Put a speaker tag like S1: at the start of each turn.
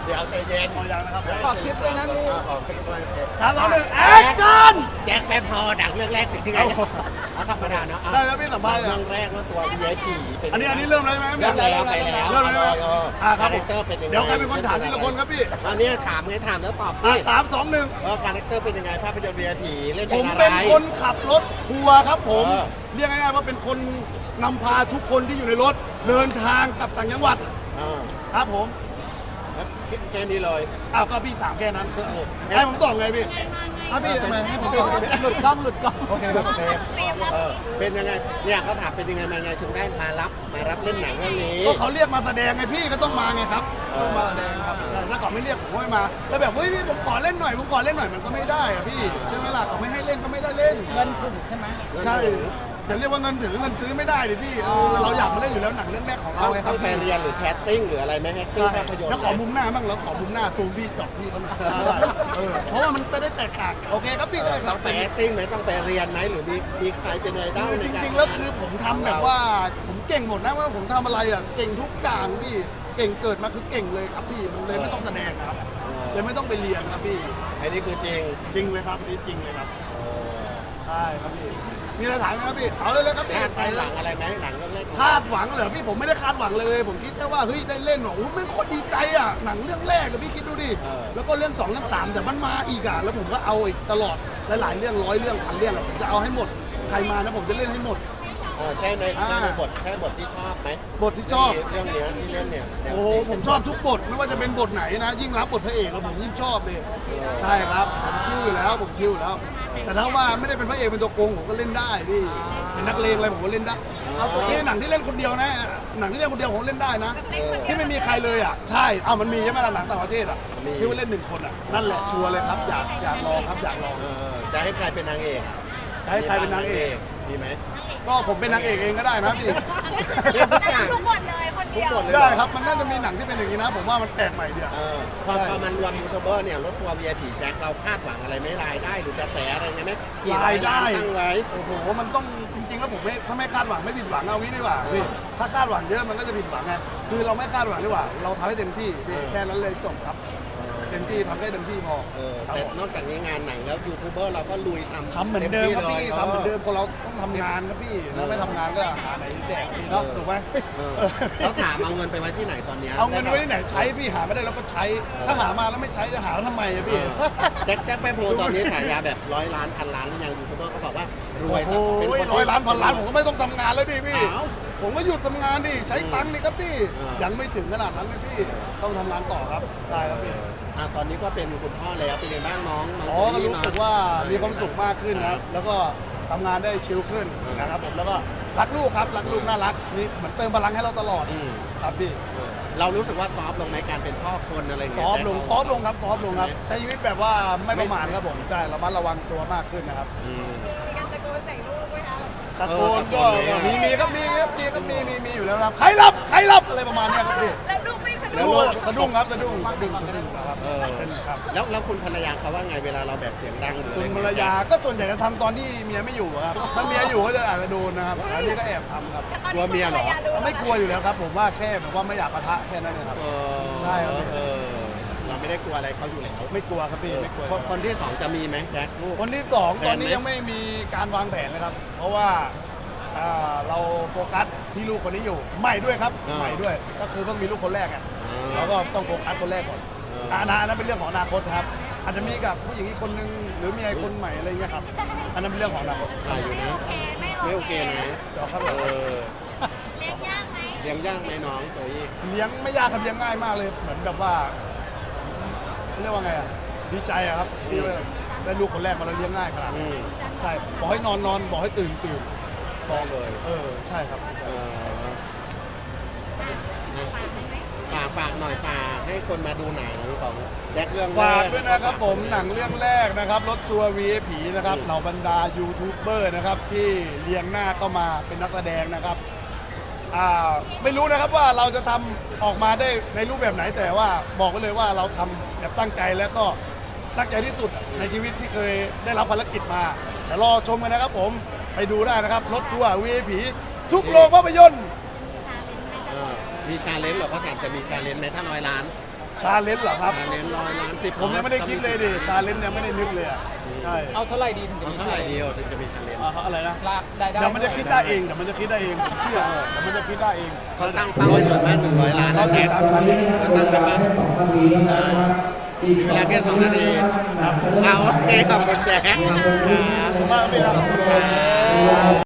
S1: เดี๋ยวใจเย็น
S2: พอยังนะครับ
S3: ขอคลิปด้วยนะพี่
S1: ขอคลิปด้วย
S2: 3 2 1แอคชั่น
S1: แจ็คแป๊บพอดังเรื่องแรกเป็นที่ไงเอาธรรมดาเนาะ
S2: ได้แล้วพี่สัมภาษณ์
S1: เรื่องแรกว่าตัว VIP เป็น
S2: อันนี้เริ่มแล้วใช่ไหมครับ
S1: เริ่มแล้วไปแล้ว
S2: เริ่มแล้วใช่ไหมค
S1: คา
S2: รับ
S1: แรคเตอร์เป็นยังไง
S2: เดี๋ยวใครเป็นคนถามทีละคนครับพี่
S1: อันนี้ถามไงถามแล้วตอบสิ
S2: 3 2 1
S1: คาแรคเตอร์เป็นยังไงภาพยนตร์ VIP เล่น
S2: ผ
S1: เป็น
S2: ม
S1: อะไร
S2: เป็นคนขับรถทัวร์ครับผม
S1: เออ
S2: เรียกง่ายๆว่าเป็นคนนำพาทุกคนที่อยู่ในรถเดินทางกลับต่างจังหวัด
S1: อ่า
S2: ครับผม
S1: แล้วแค่นี้เลย
S2: อ้าวก็พี่ถามแค่นั้น
S1: เออ
S2: ให้ผมตอบไงพี่ครับพี่ทำไมให้ผมตอบไงพี่
S3: หลุดกล้องหลุดกล้อง
S2: โอเคครับโอเค
S1: เป็นยังไงเนี่ยเขาถามเป็นยังไงมาไงถึงได้มารับเล่นหนังเรื่องนี้
S2: ก็เขาเรียกมาแสดงไงพี่ก็ต้องมาไงครับต้องมาแสดงครับใช่ถ้าเขาไม่เรียกผมก็ไม่มาแล้วแบบเฮ้ยพี่ผมขอเล่นหน่อยผมขอเล่นหน่อยมันก็ไม่ได้อะพี่ใช่ไหมล่ะเขาไม่ให้เล่นก็ไม่ได้เล่น
S3: เงินถึงใช่ไหม
S2: ใช่อย่าเรียกว่าเงินถึงเงินซื้อไม่ได้ดิพี่เราอยากมาเล่นอยู่แล้วหนังเรื่องแรกของเรา
S1: เรา
S2: ไงค
S1: ต้
S2: รั
S1: อบ งไปเรียนหรือแคสติ้งหรืออะไรไหมแคสติ้ง
S2: ใช่
S1: ภาพยนตร์
S2: แล้วขอมุมหน้าบ้างแล้วขอมุมหน้าซูมพี่จอกพี่เขาหน่อยได้เพราะว่ามันจะได้แตกต่างโอเคครับพี่ได้ค
S1: ต้
S2: รั
S1: อบ งไปแอคติ้งไหมต้องไปเรียนไหมหรือมีใครเป็นไอดอล
S2: คือ
S1: ใน
S2: จ
S1: การ
S2: ริงๆแล้วคือผมทำแบบว่าผมเก่งหมดนะว่าผมทำอะไรอ่ะเก่งทุกอย่างพี่เก่งเกิดมาคือเก่งเลยครับพี่มันเลยไม่ต้องแสดงครับเลยไม่ต้องไปเรียนครับพี่
S1: อันนี้คือจริง
S2: จริงเลยครับนี่จริงเลยครับใช่ครับพี่มีอะไรถามไหมครับพี่เอาเลยครับพี่
S1: คาดหวังอะไรไหมหนังเรื่องแรกของ
S2: คาดหวังเหรอพี่ผมไม่ได้คาดหวังเลยผมคิดแค่ว่าเฮ้ยได้เล่นว่ะโอ้แม่งโคตรดีใจอ่ะหนังเรื่องแรกอะพี่คิดดูดิแล้วก็เรื่อง2เรื่อง3แต่มันมาอีกอ่ะแล้วผมก็เอาอีกตลอดหลายๆเรื่อง100 เรื่องพันเรื่องอะผมจะเอาให้หมดใครมานะผมจะเล่นให้หมด
S1: ใช่ในบทที่ชอบไหม
S2: บทที่ชอบ
S1: เรื่องเนี้ยที่เล่นเนี่ย
S2: โอ้โหผมชอบทุกบทไม่ว่าจะเป็นบทไหนนะ ยิ่งรับบทพระเอกแล้วผมยิ่งชอบเลยใช่ครับผมชื่อแล้วผมชื่อแล้ว แต่ถ้าว่าไม่ได้เป็นพระเอกเป็นตัวโกงผมก็เล่นได้พี่เป็นนักเลงอะไรผมก็เล่นได้นี่หนังที่เล่นคนเดียวนะหนังที่เล่นคนเดียวผมเล่นได้นะ ที่ไม่มีใครเลยอ่ะใช่เอามันมีใช่ไหมล่ะหนังต่างประเทศอ่ะที่ว่าเล่น1 คนอ่ะนั่นแหละชัวร์เลยครับอยากลองครับอยากลอง
S1: จะให้ใครเป็นนางเอก
S2: ให้ใครเป็นนางเอก
S1: ดีไหม
S2: ก็ผมเป็นนางเอกเองก็ได้นะพี่
S1: เล่นทุกอย่าง
S4: ทุกบทเลยคนเดียว
S1: ทุกบทเลย
S2: ได้ครับมันน่าจะมีหนังที่เป็นอย่างนี้นะ ผมว่ามันแปลกใหม่ดีอะ
S1: พอมันรวมยูทูบเบอร์เนี่ยรถทัวร์ VIP แจ็คเราคาดหวังอะไรไหมรายได้หรือกระแสอะไรเงี้ยไหมกี่ร้อยล้านตั้งไว้
S2: โอ้โหมันต้องจริงๆแล้วผมไม่ถ้าไม่คาดหวังไม่ผิดหวังเอาวิดีกว่าพี่ถ้าคาดหวังเยอะมันก็จะผิดหวังไงคือเราไม่คาดหวังดีกว่า เราทำให้เต็มที่พี่แค่นั้นเลยจบครับเต็มที่ทำให้เต็มที่พอครับ
S1: แต่
S2: ผม
S1: นอกจากนี้งานหนังแล้วยูทูบเบอร์เราก็ลุยทำ
S2: ทำเหมือนเดิมครับพี่ทำเหมือนเดิมคนเราต้องทำงานครับพี่ถ้าไม่ทำงานก็หาไหนแดกพี่เนาะถูกไหม
S1: เขาถามเอาเงินไปไว้ที่ไหนตอนนี้
S2: เอาเงินไว้ที่ไหนใช้พี่หาไม่ได้เราก็ใช้ ถ้าหามาแล้วไม่ใช้จะหาทำไมอะพี่
S1: แจ็คไปโพลตอนนี้ฉายาแบบ100 ล้านพันล้านหรือยังยูทูบเบอร์เขาบอกว่ารวย
S2: โอ้
S1: เป็น
S2: ย
S1: คน
S2: 100 ล้านพันล้านผมก็ไม่ต้องทำงานแล้วดิพี่
S1: อ้าว
S2: ผมก็หยุดทำงานดิใช้ตังค์นี่ครับพี่
S1: อ่ายั
S2: ยังไม่ถึงขนาดนั้นเลยพี่ต้องทำงานต่อครับได้ครับพี่
S1: ตอนนี้ก็เป็นคุณพ่อแล้วเป็นยังไงบ้างน้อง
S2: อ๋อก็รู้สึกว่ามีความสุขมากขึ้นนะครับ แล้วก็ทำงานได้ชิลขึ้นนะครับผมแล้วก็รักลูกครับรักลูกน่ารักนี่เหมือนเติมพลังให้เราตลอดครับพี่
S1: เรารู้สึกว่าซอฟต์ลงในการเป็นพ่อคนอะไร
S2: ซ
S1: เงี้ย
S2: อฟต์ลงซอฟต์ลงครับซอฟต์ลงครับใช้ชีวิตแบบว่าไม่ประมาทครับผมใช่ระมัดระวังตัวมากขึ้นนะครับ
S4: มีการตะโกนใส่ลูกไหมคะ
S2: ตะโกนก็มีครับมีอยู่แล้วครับใครรับอะไรประมาณเนี้ยครับพี่
S4: แล้วลูกไม่สะ
S2: แล้
S4: ดุ้
S2: ว
S4: ง
S2: สะดุ้งครับสะดุ้งครับ ครับ
S1: แล้วคุณภรรยาเขาว่าไงเวลาเราแบบเสียงดังหรือ
S2: คุ
S1: อะไร
S2: ณภรรยาก็ส่วนใหญ่จะทำตอนที่เมียไม่อยู่ครับถ้าเมียอยู่ก็จะอาจจะโดนนะครับอันนี้ก็แอบทำครับ
S4: แต่ตอนนี้ภรรยารู้
S2: ไม่กลัวอยู่แล้วครับ ผมว่าแค่แบบว่าไม่อยากปะทะแค่นั้นเองครับใช่ครับ
S1: เราไม่ได้กลัวอะไรเขาอยู่แล้ว
S2: ไม่กลัวครับพี่ไม่กลัว
S1: คนที่ 2จะมีไหมแจ็คลูก
S2: คนที่สองตอนนี้ยังไม่มีการวางแผนเลยครับ เพราะว่าเราโฟกัสที่ลูกคนนี้อยู่ใหม่ด้วยครับใหม่ด้วยก็คือเพิ่งมีลูกคนแรกอ่ะเราก็ต้องโฟกัสคนแรกก่อนอนาคตนั้นเป็นเรื่องของอนาคตครับ อาจจะมีกับผู้หญิงอีกคนนึงหรือมีไอ้คนใหม่อะไรเงี้ยครับอันนั้นเป็นเรื่องของอนาคต
S1: อยู่นะ ไม่โอเคนะ
S2: เดี๋ยวครับ
S4: เลี้ยงยากไหม
S1: เลี้ยงยากไหมน้องตัวนี้
S2: เลี้ยงไม่ยากครับเลี้ยงง่ายมากเลยเหมือนแบบว่าเขาเรียกว่าไงอ่ะดีใจอะครับที่ว่าได้ลูกคนแรกมาแล้วเลี้ยงง่ายขนาดนี้ใช่บอกให้นอนบอกให้ตื่นบอก
S1: เลย
S2: ใช่ครับ
S1: ฝากหน่อยฝากให้คนมาดูหนังของแจ็คเรื่องแร
S2: ฝาก
S1: ก
S2: ด้วยนะครับผมหนังเรื่องแรกนะครับรถทัวร์ VIP นะครับเหล่าบรรดายูทูบเบอร์นะครับที่เรียงหน้าเข้ามาเป็นนักแสดงนะครับไม่รู้นะครับว่าเราจะทำออกมาได้ในรูปแบบไหนแต่ว่าบอกไว้เลยว่าเราทำแบบตั้งใจแล้วก็ตั้งใจที่สุดในชีวิตที่เคยได้รับภารกิจมาเดี๋ยวรอชมกันนะครับผมไปดูได้นะครับรถทัวร์ VIP ทุกโรงภาพยนตร์
S4: ชาเลนจ์ไหม
S1: มีชาเลนจ์เหรอเขาถามจะมีชาเลนจ์ไหมถ้า100 ล้าน
S2: ชาเลนจ์เหรอครับ
S1: เน้น100 ล้าน 10
S2: ผมยังไม่ได้คิดเลยดิชาเลนจ์ยังไม่ได้นึกเลยอ่ะใช่
S3: เอาเท่าไหร่ดีถึงจะ
S1: เอา
S3: มี
S1: เท่าไหร่เดียวถึงจะมีชาเลนจ์
S2: อะไรนะ
S3: ลากได้ได้
S2: เดี๋ยวมันจะคิดได้เองเดี๋ยวมันจะคิดได้เองผมเชื่อเดี๋ยวมันจะคิดได้เอง
S1: เขาตั้งเป้าไว้ส่วนมาก100 ล้าน
S2: เรา
S1: นะ
S2: ติ
S1: แจ็
S2: ด
S1: ค
S2: ตามชาเลนจ์
S1: เขาตั้งกันบ้าง
S5: 2 นาทีนะครับอีก
S1: เวลาแค่2 นาทีเอาโอเคขอบคุณแจ็คขอบคุณครับ
S2: มากเลยครับ